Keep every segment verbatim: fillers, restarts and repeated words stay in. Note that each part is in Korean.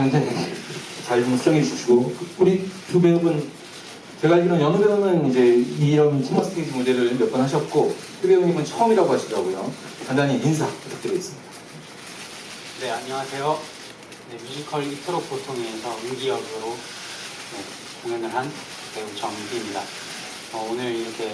하는데 잘 좀 수정해 주시고, 우리 두 배우분, 제가 알기로는 연우 배우는 이제 이런 티머 스테이지 무대를 몇 번 하셨고, 표 배우님은 처음이라고 하시더라고요. 간단히 인사 부탁드리겠습니다. 네, 안녕하세요. 네, 뮤지컬 이토록 보통에서 은기 역으로 네, 공연을 한 배우 정기입니다. 어, 오늘 이렇게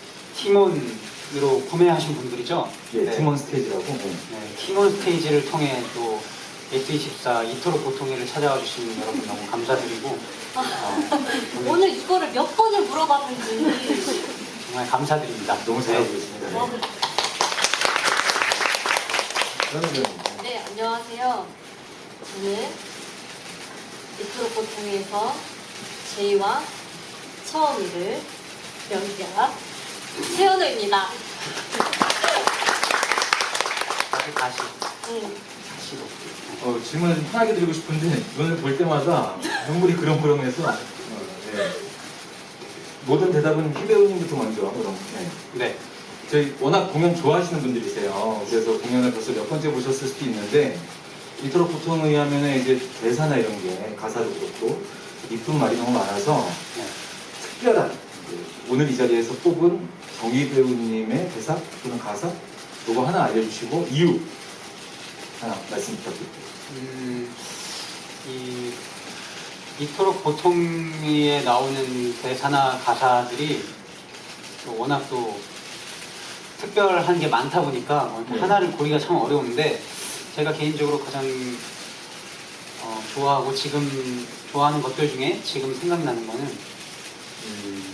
팀원으로 구매하신 분들이죠? 예, 네. 팀원 스테이지라고. 네. 네, 팀원 스테이지를 통해 또 에스 이십사 이토록 보통회를 찾아와 주신 여러분 너무 감사드리고 어, 오늘 오늘 이거를 몇 번을 물어봤는지 정말 감사드립니다. 너무 잘하고 네. 계십니다. 뭐, 연우 배우님. 네, 안녕하세요. 저는 이토록 보통회에서 제이와 처음 일을 연기한 세연우입니다. 다시 다시 응. 다시로. 어, 질문을 좀 편하게 드리고 싶은데 이거를 볼 때마다 눈물이 그렁그렁해서 어, 네. 모든 대답은 피 배우님부터 먼저 그럼. 네. 네. 저희 워낙 공연 좋아하시는 분들이세요. 그래서 공연을 벌써 몇 번째 보셨을 수도 있는데 이토록 보통에 하면 이제 대사나 이런 게 가사도 그렇고 이쁜 말이 너무 많아서 네. 특별한 그 오늘 이 자리에서 뽑은 정희 배우님의 대사 또는 가사 요거 하나 알려주시고 이유 하나 말씀 부탁드립니다. 음, 이 이토록 보통에 나오는 대사나 가사들이 또 워낙 또 특별한 게 많다 보니까 뭐 네. 하나를 고르기가 참 어려운데 제가 개인적으로 가장 어, 좋아하고 지금 좋아하는 것들 중에 지금 생각나는 거는 음,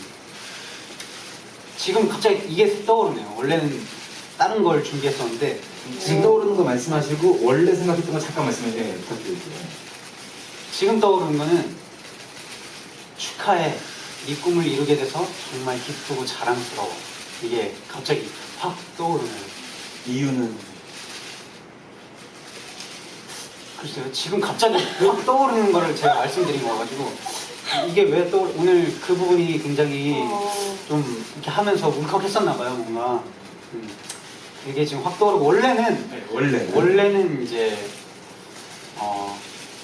지금 갑자기 이게 떠오르네요. 원래는 다른 걸 준비했었는데 지금 떠오르는 거 말씀하시고 원래 생각했던 거 잠깐 말씀해 네, 부탁드릴게요. 지금 떠오르는 거는 축하해. 네 꿈을 이루게 돼서 정말 기쁘고 자랑스러워. 이게 갑자기 확 떠오르네요. 이유는 글쎄요. 지금 갑자기 확 떠오르는 거를 제가 말씀드린 거가지고 이게 왜 또 오늘 그 부분이 굉장히 어, 좀 이렇게 하면서 울컥했었나 봐요. 뭔가 음, 이게 지금 확 떠오르고 원래는 네, 원래 원래는 이제 어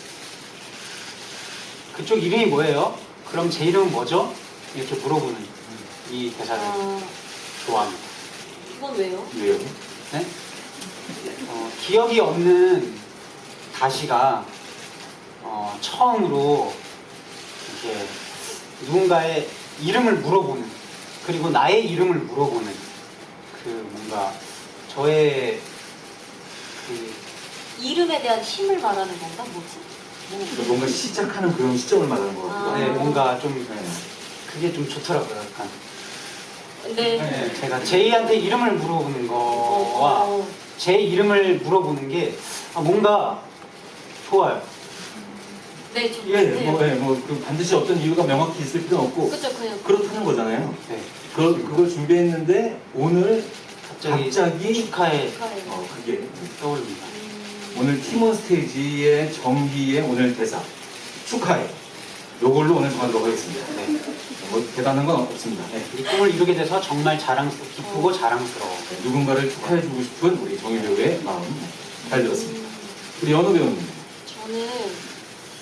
그쪽 이름이 뭐예요? 그럼 제 이름은 뭐죠? 이렇게 물어보는 이 대사를 아, 좋아합니다. 이건 왜요? 왜요? 네? 어, 기억이 없는 다시가 어, 처음으로 이렇게 누군가의 이름을 물어보는 그리고 나의 이름을 물어보는 그 뭔가 저의 그 이름에 대한 힘을 말하는 건가? 뭐지? 그러니까 뭔가 시작하는 그런 시점을 말하는 것 같아요. 아. 네, 뭔가 좀 네. 그게 좀 좋더라고요. 약간 근데 네, 제가 제이한테 이름을 물어보는 거와 어, 제 이름을 물어보는 게 아, 뭔가 좋아요. 네, 좀 예, 같아요. 뭐, 예, 뭐, 그 반드시 어떤 이유가 명확히 있을 필요는 없고, 그죠, 그냥 그렇다는 거잖아요. 네, 그, 그걸 준비했는데, 오늘 갑자기, 갑자기, 축하해 축하해요. 어, 그게, 떠오릅니다. 음, 오늘 팀원 스테이지의 정기의 오늘 대사, 축하해. 요걸로 오늘 정하도록 하겠습니다. 네. 뭐, 대단한 건 없습니다. 네. 이 꿈을 이루게 돼서 정말 자랑스러, 기쁘고 자랑스러워. 누군가를 축하해주고 싶은 우리 정희 배우의 마음, 잘 들었습니다. 음, 우리 연우 배우님. 저는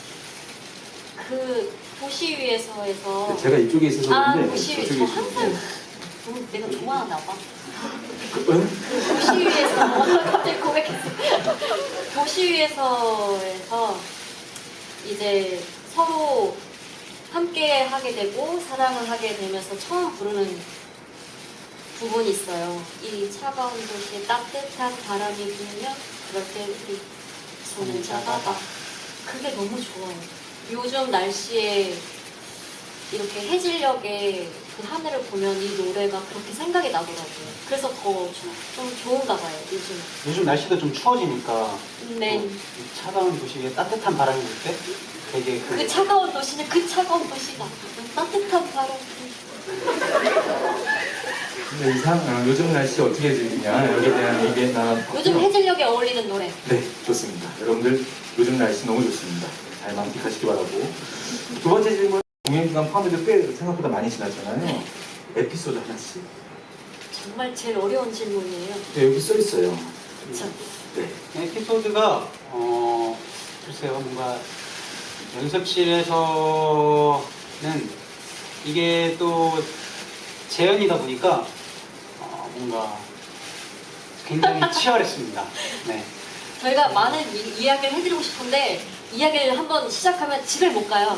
그 도시 위에서에서 제가 이쪽에 있어서 아, 그런데, 도시 위에 저쪽에 저 있어서. 항상 네. 너무 내가 좋아하나 봐. 그, 응? 도시 위에서 갑자기 고백했어. 도시 위에서에서 이제 서로 함께 하게 되고 사랑을 하게 되면서 처음 부르는 부분이 있어요. 이 차가운 도시에 따뜻한 바람이 불면 그럴 때 우리 손을 잡아봐. 그게 너무 좋아요. 요즘 날씨에 이렇게 해질녘에 그 하늘을 보면 이 노래가 그렇게 생각이 나더라고요. 그래서 더 좀 좋은가 봐요, 요즘. 요즘 날씨도 좀 추워지니까 네. 또 이 차가운 도시에 따뜻한 바람이 불 때 되게 그, 그 차가운 도시는 그 차가운 도시가 따뜻한 바람. 근데 이상, 어, 요즘 날씨 어떻게 즐기냐, 여기에 대한 얘기 나눠봤고요. 요즘 해질녘에 어울리는 노래. 네, 좋습니다. 여러분들 요즘 날씨 너무 좋습니다. 잘 만끽하시기 바라고. 두 번째 질문, 공연 기간 포함해도 꽤 생각보다 많이 지났잖아요. 에피소드 하나씩. 정말 제일 어려운 질문이에요. 네, 여기 써 있어요. 참. 네. 에피소드가 어 글쎄요 뭔가 연습실에서는 이게 또 재연이다 보니까 어, 뭔가 굉장히 치열했습니다. 네. 저희가 많은 이, 이야기를 해드리고 싶은데 이야기를 한번 시작하면 집에 못 가요.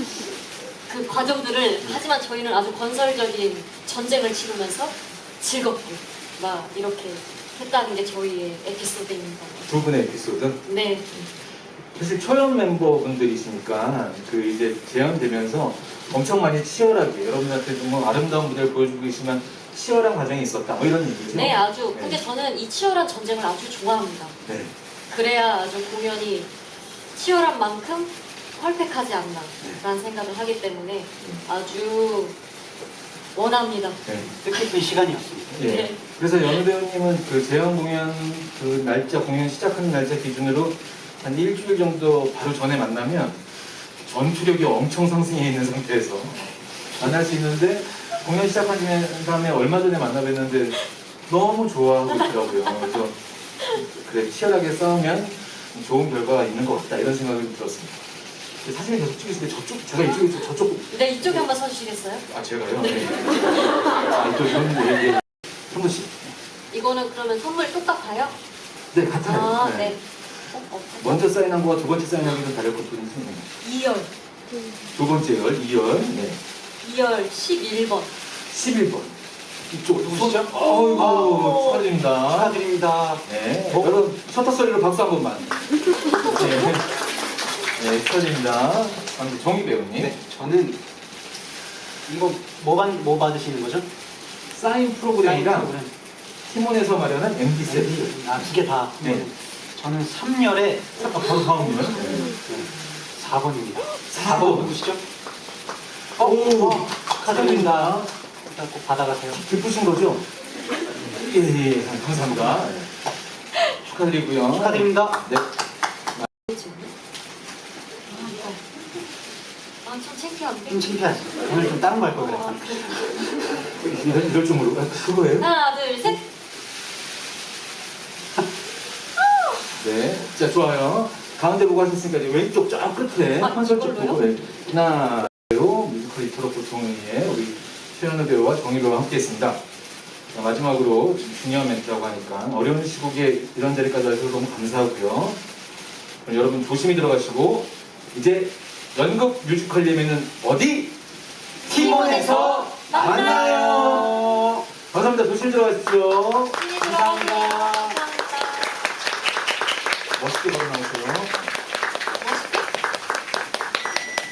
그 과정들을 하지만 저희는 아주 건설적인 전쟁을 치르면서 즐겁게 막 이렇게 했다는 게 저희의 에피소드입니다. 두 분의 에피소드. 네. 사실 초연 멤버분들이시니까 그 이제 재연되면서 엄청 많이 치열하게 여러분한테 정말 아름다운 무대를 보여주고 계시면 치열한 과정이 있었다. 뭐 이런 얘기죠. 네, 아주. 네. 근데 저는 이 치열한 전쟁을 아주 좋아합니다. 네. 그래야 아주 공연이 치열한 만큼 펄펙하지 않나라는 생각을 하기 때문에 아주 원합니다. 네. 뜻깊은 시간이었습니다. 예. 네. 그래서 연우 배우님은 그 재연 공연 그 날짜 공연 시작하는 날짜 기준으로 한 일주일 정도 바로 전에 만나면 전투력이 엄청 상승해 있는 상태에서 만날 수 있는데 공연 시작한 다음에 얼마 전에 만나 뵀는데 너무 좋아하고 있더라고요. 그래서 그래 치열하게 싸우면 좋은 결과가 있는 것 같다 이런 생각이 들었습니다. 사진을 계속 찍으시는데 저쪽 제가 이쪽에 있어 저쪽 네, 이쪽에 한번 서주시겠어요? 아 제가요? 네. 아또 이런 게 한 번씩 이거는 그러면 선물 똑같아요? 네 같아요. 아, 네. 네. 어, 어, 먼저 사인한 거와 두 번째 사인하기 좀 다를 것 뿐이지. 이열. 두 번째 열, 이 열, 네. 이열 십일 번. 십일 번. 이쪽 누구시죠? 어이구, 아우. 축하드립니다. 축하드립니다. 네. 어? 여러분, 셔터 소리로 박수 한 번만. 네. 네, 축하드립니다. 다음 정희 배우님. 네, 저는 이거 뭐, 받, 뭐 받으시는 거죠? 사인 프로그램이랑 프로그램. 티몬에서 마련한 엠디 세트. 아, 두 개 다. 네. 저는 삼 열에 아, 바로 다음이요. 사 번입니다. 사 번. 누구시죠? 오, 축하드립니다. 일단 꼭 받아가세요. 기쁘신 거죠? 예, 예, 감사합니다. 네. 축하드리고요. 축하드립니다. 네. 그렇죠. 아, 이거. 아, 좀 창피한데? 좀 창피하지. 오늘 좀 다른 거 할 걸 아, 그랬어. 이럴, 이럴 줄 모르고. 아, 그거예요? 하나, 둘, 셋. 네. 자, 좋아요. 가운데 보고 하셨으니까 이제 왼쪽 쫙 끝에 아, 컨설 쪽 이걸로요? 보고. 네. 하나, 배우, 뮤지컬 이토록 보통의 우리 최현우 배우와 정희 배우와 함께 했습니다. 자, 마지막으로 좀 중요한 멘트라고 하니까 어려운 시국에 이런 자리까지 와주셔서 너무 감사하고요. 그럼 여러분 조심히 들어가시고 이제 연극 뮤지컬 예매는 어디? 티몬에서 만나요. 감사합니다. 조심히 들어가십시오. 감사합니다.